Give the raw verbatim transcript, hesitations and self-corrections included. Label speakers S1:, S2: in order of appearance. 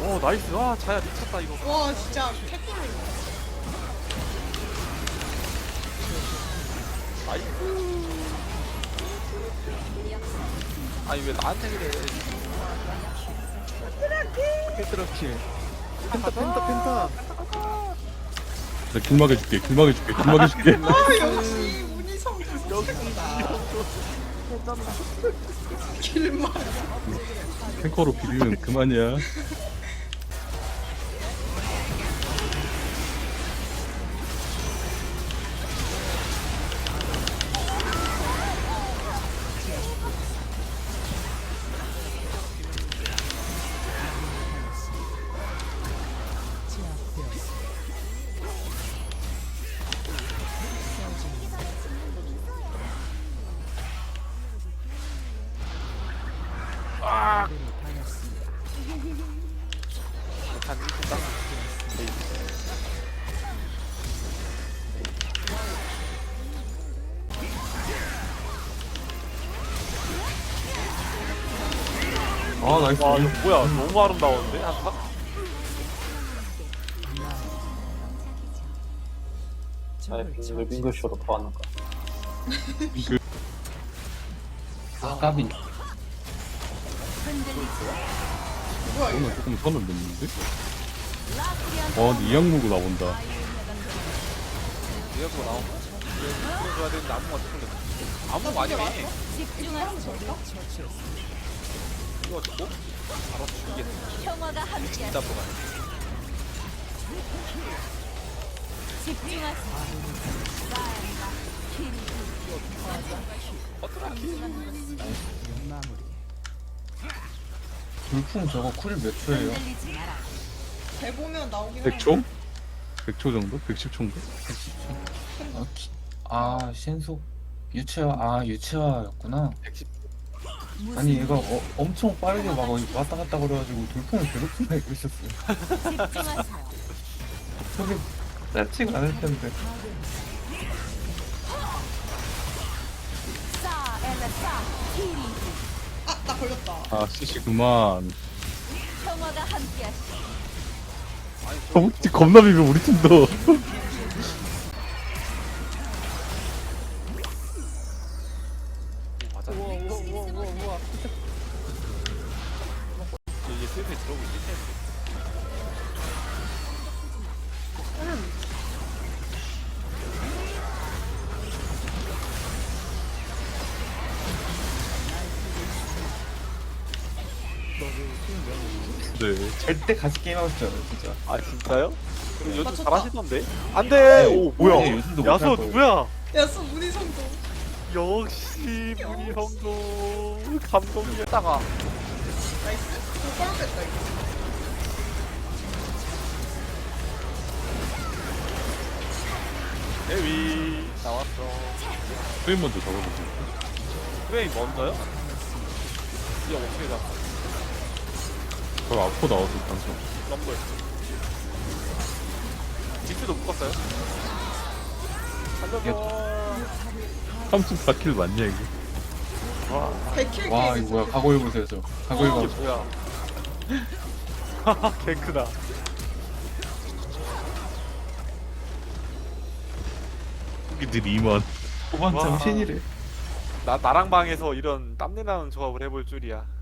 S1: 어 나이스. 와 자야 미쳤다 이거.
S2: 와 진짜 개꿀.
S1: 나이스. 아니 왜 나한테 그래.
S3: 헤드러킬. 펜타 펜타 펜타.
S4: 나 길막해 줄게. 길막해 줄게. 길막해 줄게.
S2: 아 역시 운이 성공.
S1: 역시
S2: 길만.
S4: 탱커로 비비면 그만이야.
S1: 한 일 분 딱.
S3: 아 나이스.
S1: 와 이거 뭐야 너무 아름다웠는데 한타?
S5: 왜 빙글쇼로 더 하는가?
S3: 아 까비.
S2: 뭐야 이거?
S4: 오늘 조금 선을 넘는데? 와 근데 이악물고 나온다.
S1: 이거 나온 거? 이거 줘야 되는데 아무가 틀렸네. 아무 아니네. 이거 듣고 바로 죽이겠네.
S6: 평화가 함께
S1: 진짜 뭐가.
S3: 불풍 저거 쿨 몇 초예요?
S6: 흔들리지 마라.
S2: 배 보면 나오긴
S4: 백 초? 백 초 정도? 백십 초인가?
S3: 백십 초. 아, 기... 아 신속 유채화 아 유채화였구나.
S1: 백십.
S3: 아니 얘가 어, 엄청 빠르게 막 왔다 갔다 그래가지고 돌풍을 괴롭히나 이고 있었어요.
S6: 집중하세요.
S3: 저게 짧지가 않을 텐데.
S6: 싸 엘라싸 히리.
S2: 아나 걸렸다.
S4: 아 씨씨 그만.
S6: 평화가 함께하시.
S4: 너무 겁나 비벼 우리 팀도.
S1: 맞아. 우와 우와 우와 우와 우와. 이제 슬슬 들어오고 있겠네.
S4: 네.
S3: 절대 같이 게임하고 싶지 않아요 진짜.
S1: 아 진짜요? 그럼 요즘
S2: 맞췄다.
S1: 잘하시던데? 안돼! 오
S3: 아니,
S1: 뭐야?
S3: 요즘도
S1: 야수
S3: 못할 거예요.
S1: 누구야?
S2: 야수 운이 성공.
S1: 역시 문희 형도 감동이었다가
S2: 나이스. 도발 뺐다 이거.
S1: 데위 나왔어.
S4: 프레임 먼저 잡아보세요.
S1: 프레임 먼저요? 이거 어떻게 잡아?
S4: 저 앞으로 나와서 방송.
S1: 럼블. 딕스도 묶었어요? 살려줘.
S4: 삼십사 킬 맞냐 이게?
S1: 와,
S2: 백킬
S3: 와
S2: 게임.
S3: 이거 뭐야 각오 해보세요 저. 각오
S1: 이게
S3: 해봐.
S1: 뭐야? 하하, 개 크다.
S4: 이들 이만.
S3: 후반
S1: 와.
S3: 정신이래.
S1: 나 나랑 방에서 이런 땀내 나는 조합을 해볼 줄이야.